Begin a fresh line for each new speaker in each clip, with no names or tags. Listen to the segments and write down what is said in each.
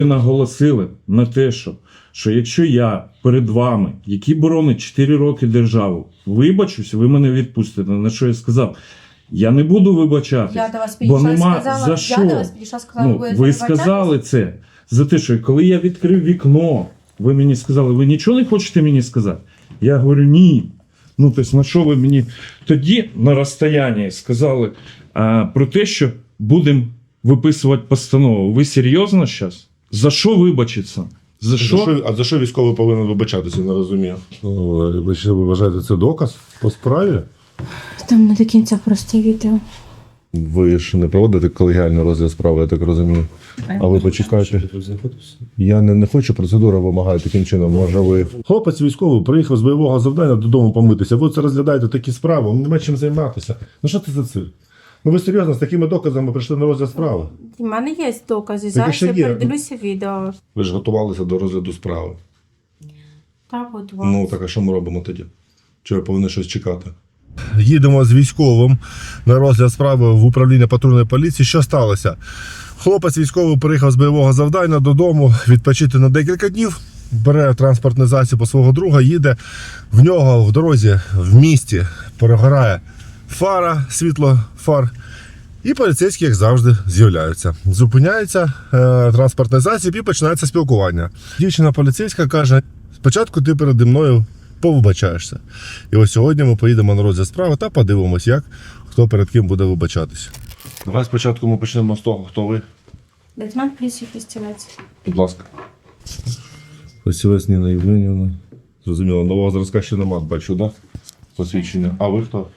наголосили на те, що якщо я перед вами, який боронить 4 роки державу, вибачусь, ви мене відпустите. На що я сказав? Я не буду вибачатись,
Я до вас
бо
підійшла,
нема
сказала,
за що.
Я до вас підійшла, сказала,
Ви сказали це за те, що коли я відкрив вікно, ви мені сказали, ви нічого не хочете мені сказати? Я говорю, ні. Ну, тобто, на що ви мені тоді на розстоянні сказали про те, що будемо виписувати постанову. Ви серйозно зараз? За що вибачиться? За що?
А за що військовий повинен вибачатися, не розумію. Ви вважаєте, це доказ по справі?
Там не до кінця просте відео.
Ви ж не проводите колегіальний розгляд справи, я так розумію. А ви почекайте. Я не хочу, процедура вимагає таким чином. Може ви. Хлопець військовий приїхав з бойового завдання додому помитися. Ви це розглядаєте такі справи, вам нема чим займатися. Ну що це за цирк? Ну ви серйозно з такими доказами прийшли на розгляд справи?
У мене є докази.
Так,
Зараз
ще
я
є.
передивлюся відео.
Ви ж готувалися до розгляду справи.
Так, от
Ну так а що ми робимо тоді? Чи ви повинні щось чекати? Їдемо з військовим на розгляд справи в управління патрульної поліції. Що сталося? Хлопець військовий приїхав з бойового завдання додому відпочити на декілька днів, бере транспортний засіб у свого друга, їде. В нього в дорозі, в місті перегорає фара, світло фар. І поліцейські, як завжди, з'являються. Зупиняється транспортний засіб і починається спілкування. Дівчина поліцейська каже, спочатку ти переді мною повибачаєшся. І ось сьогодні ми поїдемо на розгляд справи та подивимось, як хто перед ким буде вибачатися. Давай спочатку ми почнемо з того, хто ви.
Лейтенант поліції Фістівець.
Будь ласка. Фестівець Ніна Євгенівна. Зрозуміло, нового зразка ще нема, бачу, так? Да? Посвідчення. А ви хто?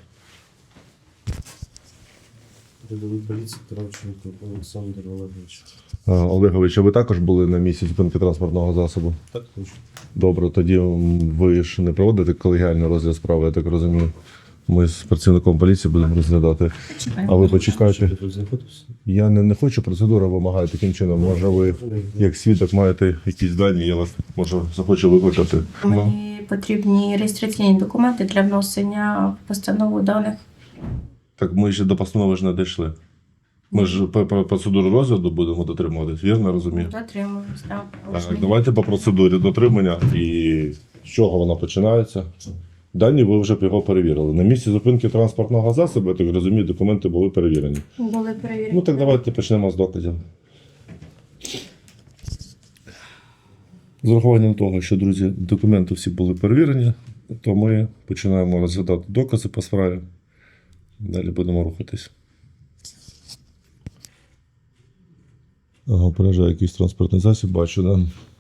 Рядовий поліції Кравченко Олександр Олегович.
Олегович, а ви також були на місці зупинки транспортного засобу?
Так, точно.
Добре, тоді ви ж не проводите колегіальний розгляд справи, я так розумію. Ми з працівником поліції будемо розглядати. А ви почекайте.
Тут знаходився?
Я не хочу, процедура вимагає таким чином. Може ви, як свідок, маєте якісь дані, я вас, може, захочу викликати.
Мені потрібні реєстраційні документи для внесення в постанову даних.
Так ми ще до постанови ж не дійшли. Ми ж по процедурі розгляду будемо дотримуватись, вірно розумію?
Дотримуюсь, так.
Так, давайте по процедурі дотримання і з чого вона починається. Дані ви вже його перевірили. На місці зупинки транспортного засобу, я так розумію, документи були перевірені.
Були перевірені.
Ну так давайте почнемо з доказів. З урахуванням того, що, друзі, документи всі були перевірені, то ми починаємо розглядати докази по справі. Далі будемо рухатись. Ага, приїжджає якийсь транспортний засіб, бачу, да?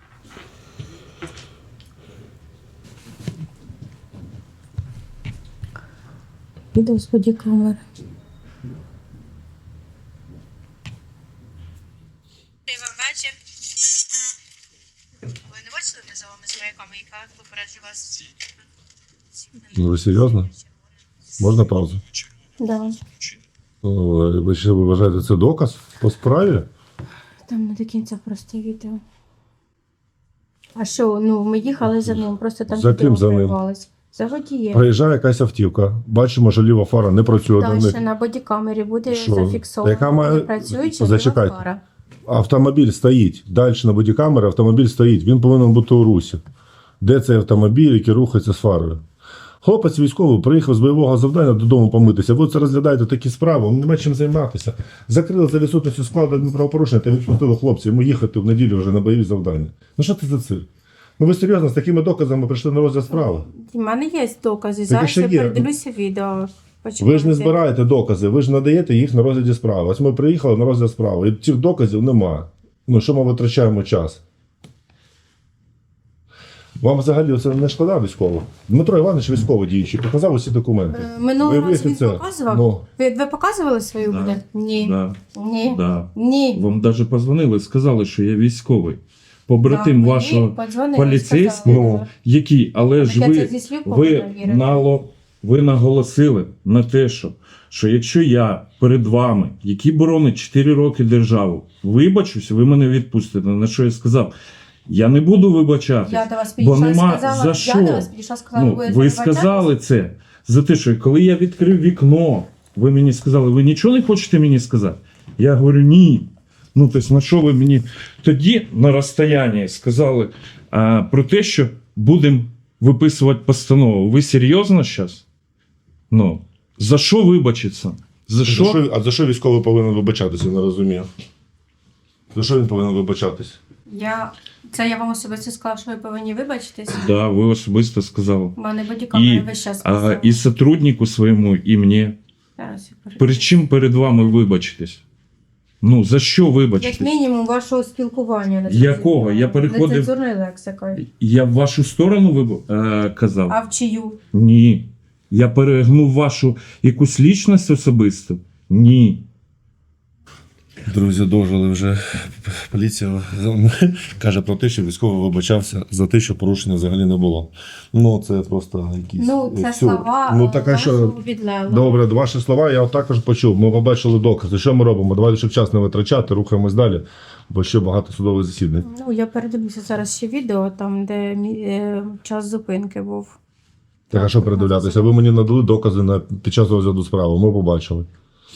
Відео з бодікамери.
Добрий вам вечір. Ви не бачили мене за вами з маяками, яка попереджу вас?
Ну, ви серйозно? Можна паузу?
Да.
Ви ще вважаєте, це доказ по справі?
Там не до кінця просте відео. А що, ну ми їхали за ним, просто там
За
відео
ким за ним?
перервалось. За водієм.
Приїжджає якась автівка, бачимо, що ліва фара не працює на
Далі
них.
на бодікамері буде
Що?
зафіксовано.
Яка має-
Не працююча
Зачекайте.
ліва фара.
Автомобіль стоїть. Далі на бодікамері автомобіль стоїть. Він повинен бути у русі. Де цей автомобіль, який рухається з фарою? Хлопець військовий приїхав з бойового завдання додому помитися. Ви це розглядаєте такі справи, вам нема чим займатися. Закрили за відсутністю складу адмінправопорушення та відпустили хлопців. Йому їхати в неділю вже на бойові завдання. Ну що це за цирк? Ну ви серйозно з такими доказами прийшли на розгляд справи?
У мене є докази.
Так,
Зараз
ще
я
є.
передивлюся відео.
Ви ж
Почекайте.
не збираєте докази, ви ж надаєте їх на розгляді справи. Ось ми приїхали на розгляд справи, і цих доказів немає. Ну що ми витрачаємо час? Вам взагалі це не шкода військово? Дмитро Іванович військовий діючий, показав усі документи.
Минулого
Ви
разу він
офіцер.
показував?
Ну.
Ви показували свою
Да.
буде? Ні.
Да,
Ні.
да.
Ні.
Вам навіть позвонили, сказали, що я військовий. Побратим
Да,
вашого
мені подзвонили,
поліцейського,
сказали.
який, але ж
Так я це
ви,
зі слів
ви,
повинна вірити.
ви наголосили на те, що якщо я перед вами, який боронить 4 роки державу, вибачусь, ви мене відпустите. На що я сказав? Я не буду вибачатись,
Я до вас
бо
підійшла,
нема
сказала,
за що.
Я до вас підійшла, сказала,
Ну, ви сказали це за те, що коли я відкрив вікно, ви мені сказали, ви нічого не хочете мені сказати? Я говорю, ні. Ну, тобто, на що ви мені тоді на розстоянні сказали про те, що будемо виписувати постанову. Ви серйозно зараз? Ну, за що вибачиться? За що?
А за що військовий повинен вибачатися, я не розумію. За що він повинен вибачатись?
Це я вам особисто сказала, що ви повинні вибачитись.
Да, ви особисто сказали.
У мене бодікамери весь час сказали.
І сотруднику своєму, і мені.
Зараз я перепишу.
Перед чим перед вами вибачитись? Ну, за що
Як
вибачитись?
мінімум вашого спілкування.
Якого? Я переходив-
Нецензурною лексикою.
Я в вашу сторону казав?
А в чию?
Ні. Я перегнув вашу якусь лічність особисту? Ні.
Друзі, дожили вже. Поліція каже про те, що військовий вибачався за те, що порушення взагалі не було. Ну, це просто якісь...
Ну, це
всю.
слова
Ну, так, а що...
вашого підлеглого.
Добре, ваші слова я також почув. Ми побачили докази. Що ми робимо? Давайте, щоб час не витрачати, рухаємось далі, бо ще багато судових засідань.
Ну, я передивлюся зараз ще відео, там, де час зупинки був.
Так, а що передивлятися? Ви мені надали докази під час розгляду справи. Ми побачили.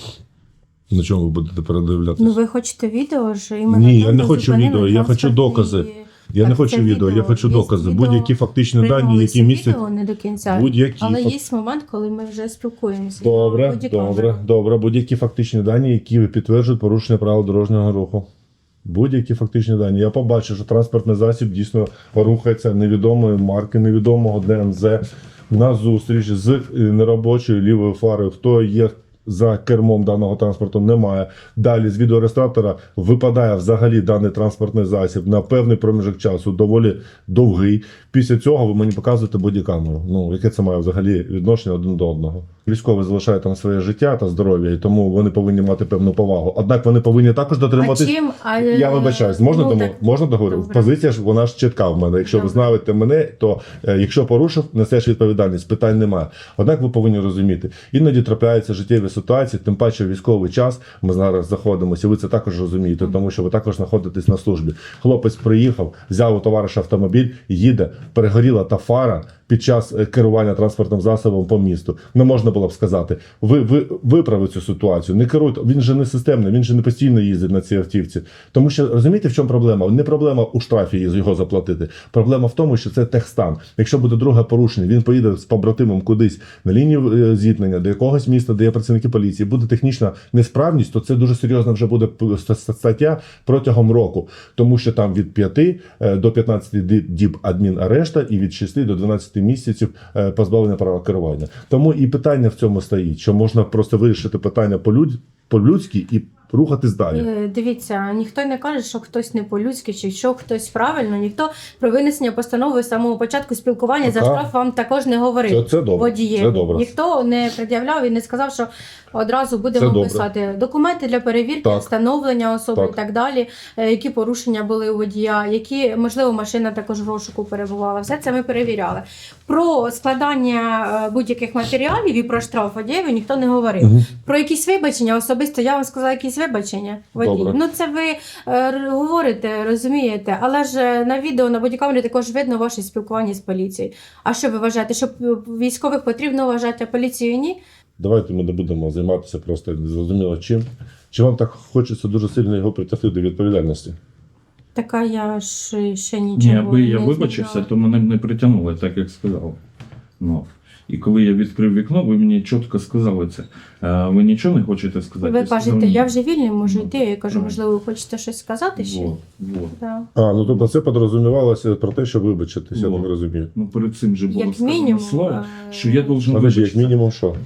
На чому ви будете передивлятися?
Ну, ви хочете відео ж? Іменно
Ні,
там,
я не
де
хочу
зупинили
відео, я хочу
транспортні-
докази. Я не
Так,
хочу
це
відео, я хочу
Є
докази.
відео,
Будь-які фактичні дані,
приймалися
які містять
відео не до кінця.
будь-які.
Але є момент, коли ми вже спілкуємося.
Добре,
Бодікамера.
добре. Будь-які фактичні дані, які підтверджують порушення правил дорожнього руху. Будь-які фактичні дані. Я побачив, що транспортний засіб дійсно рухається невідомої марки, невідомого ДМЗ на зустріч з неробочою лівою фарою. Хто є за кермом даного транспорту, немає. Далі з відеореєстратора випадає взагалі даний транспортний засіб на певний проміжок часу, доволі довгий. Після цього ви мені показуєте бодікамеру. Ну, яке це має взагалі відношення один до одного. Військові залишають там своє життя та здоров'я, і тому вони повинні мати певну повагу. Однак вони повинні також дотримуватись. Я вибачаюсь, можна
Ну,
тому?
так,
Можна договорити?
добре.
Позиція ж вона ж чітка в мене. Якщо ви
Добре.
знаєте мене, то якщо порушив, несеш відповідальність, питань немає. Однак ви повинні розуміти, іноді трапляються життєві ситуації, тим паче в військовий час. Ми зараз знаходимося, і ви це також розумієте, тому що ви також знаходитесь на службі. Хлопець приїхав, взяв у товариша автомобіль, їде, перегоріла та фара під час керування транспортним засобом по місту. Не можна було б сказати, ви виправите цю ситуацію, не керуйте. Він же не системний, він же не постійно їздить на цій автівці. Тому що, розумієте, в чому проблема? Не проблема у штрафі його заплатити. Проблема в тому, що це техстан. Якщо буде друге порушення, він поїде з побратимом кудись на лінію зіткнення до якогось міста, де є працівники поліції, буде технічна несправність, то це дуже серйозно вже буде стаття протягом року. Тому що там від 5 до 15 діб адмінарешта і від 6 до 12 місяців позбавлення права керування. Тому і питання в цьому стоїть, що можна просто вирішити питання по-людськи і рухатись далі.
Дивіться, ніхто не каже, що хтось не по-людськи, чи що хтось правильно. Ніхто про винесення постанови з самого початку спілкування за
Ага.
штраф вам також не говорив.
Це добре.
Водієві.
Це добре.
Ніхто не пред'являв і не сказав, що одразу будемо
Це добре.
писати документи для перевірки,
Так.
встановлення особи
Так.
і так далі, які порушення були у водія, які, можливо, машина також в розшуку перебувала. Все це ми перевіряли. Про складання будь-яких матеріалів і про штраф водієві ніхто не говорив.
Мгм.
Про якісь вибачення особисто я вам сказала якісь вибачення. Водій.
Добре.
Ну це ви говорите, розумієте, але ж на відео на бодікамері також видно ваше спілкування з поліцією. А що ви вважаєте, що військових потрібно вважати, а поліцію ні?
Давайте ми не будемо займатися просто незрозуміло чим. Чи вам так хочеться дуже сильно його притягти до відповідальності?
Така я ж ще
Ні,
нічого
аби я
не
вибачився,
знала.
то мене б не притягнули, так як сказав. Ну. І коли я відкрив вікно, ви мені чітко сказали це. Ви нічого не хочете сказати?
Ви
Я сказав,
кажете,
ні.
я вже вільний, можу
Ну,
йти. Я кажу,
правильно.
можливо, ви хочете щось сказати ще?
Вот, вот.
Да.
Ну тобто це підрозумівалося про те, що вибачитися, я
Ну.
так розумію.
Ну, перед цим же було
Як
сказано
мінімум,
слово, що я должен
Подожди, як
вибачитися.
мінімум що?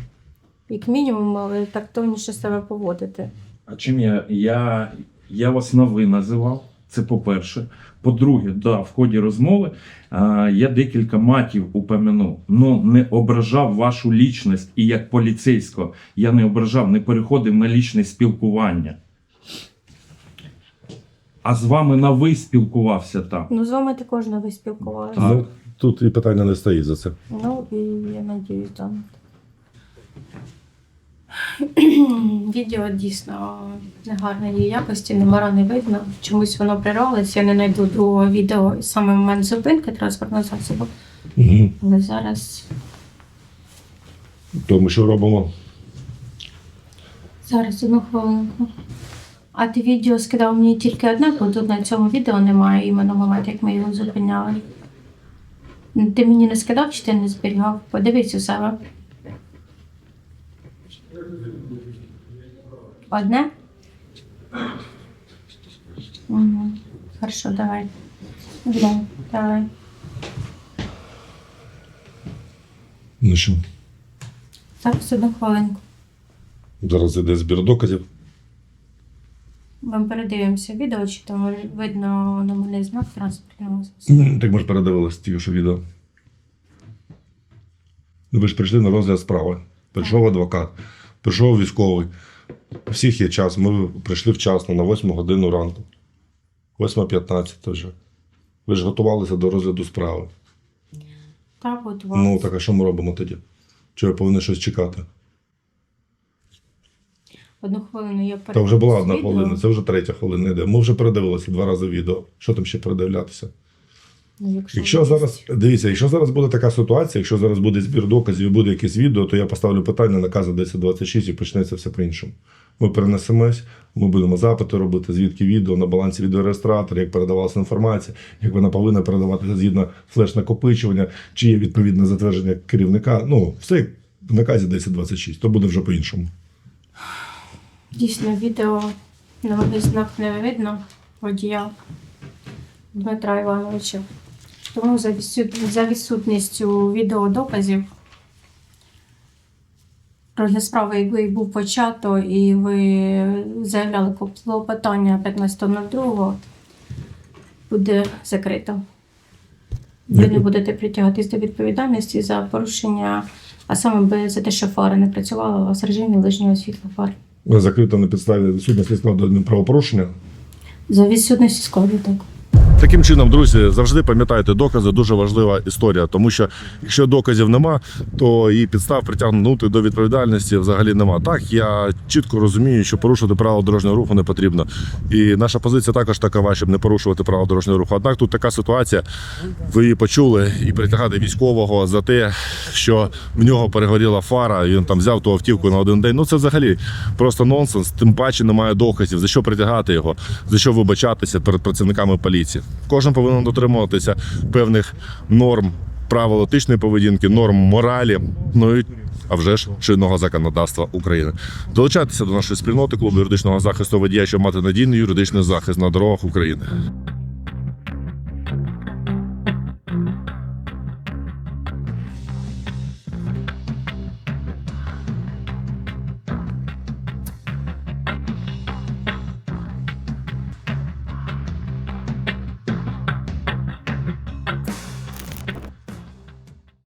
Як мінімум, але тактовніше себе поводити.
А чим я вас на ви називав? Це по-перше. По-друге, да, в ході розмови я декілька матів упомянув, но не ображав вашу лічність. І як поліцейського я не ображав, не переходив на лічне спілкування. А з вами на ви спілкувався там.
Ну, з вами також не ви спілкувалися.
Так.
Ну, тут і питання не стоїть за це.
Ну, і я надіюсь, там. Відео дійсно негарної якості, номера не видно. Чомусь воно прирвалося, я не знайду другого відео саме в момент зупинки транспортного засобу. Але зараз
То ми що робимо?
одну хвилинку. А ти відео скидав мені тільки одне, бо тут на цьому відео немає іменно моменту, як ми його зупиняли. Ти мені не скидав чи ти не зберігав? Подивись у себе. Одне? Угу. Хорошо, давай. Давай.
Ну що,
Так, одну хвилинку.
зараз йде збір доказів.
Ми передивимося відео, чи там видно номерний знак транспортного засобу.
Так ми ж передивилися тільки що відео. Ну, ви ж прийшли на розгляд справи. Прийшов адвокат, прийшов військовий. У всіх є час. Ми прийшли вчасно, на 8 годину ранку. 8:15 вже. Ви ж готувалися до розгляду справи.
Так, готувалася.
Ну, так а що ми робимо тоді? Чи я повинен щось чекати?
Одну хвилину я
Та вже була одна
відео.
хвилина, це вже 3 хвилина йде. Ми вже передивилися 2 рази відео. Що там ще передивлятися?
Ну,
Якщо
є.
зараз, дивіться, якщо зараз буде така ситуація, якщо зараз буде збір доказів і буде якесь відео, то я поставлю питання наказу 1026 і почнеться все по-іншому. Ми перенесемось, ми будемо запити робити, звідки відео, на балансі відеореєстратора, як передавалася інформація, як вона повинна передаватися згідно флеш-накопичування, чи є відповідне затвердження керівника. Ну, все як в наказі 1026, то буде вже по-іншому.
Дійсно, відео номерний знак не видно водія Дмитра Івановича. Тому за відсутністю відеодоказів розгляд справи, який був почато, і ви заявляли клопотання 15.02, буде закрито. Ви не будете притягатись до відповідальності за порушення, а саме за те, що фара не працювала у вас в режимі ближнього світла фар.
Закрито на підставі відсутності складу правопорушення.
За відсутності складу, так.
Таким чином, друзі, завжди пам'ятайте, докази дуже важлива історія, тому що якщо доказів нема, то і підстав притягнути до відповідальності взагалі нема. Так, я чітко розумію, що порушувати правила дорожнього руху не потрібно. І наша позиція також такова, щоб не порушувати правила дорожнього руху. Однак тут така ситуація, ви її почули, і притягати військового за те, що в нього перегоріла фара, і він там взяв ту автівку на один день. Ну це взагалі просто нонсенс, тим паче немає доказів. За що притягати його, за що вибачатися перед працівниками поліції. Кожен повинен дотримуватися певних норм правил етичної поведінки, норм моралі, ну і, а вже ж, чинного законодавства України. Долучайтеся до нашої спільноти клубу юридичного захисту водія, щоб мати надійний юридичний захист на дорогах України.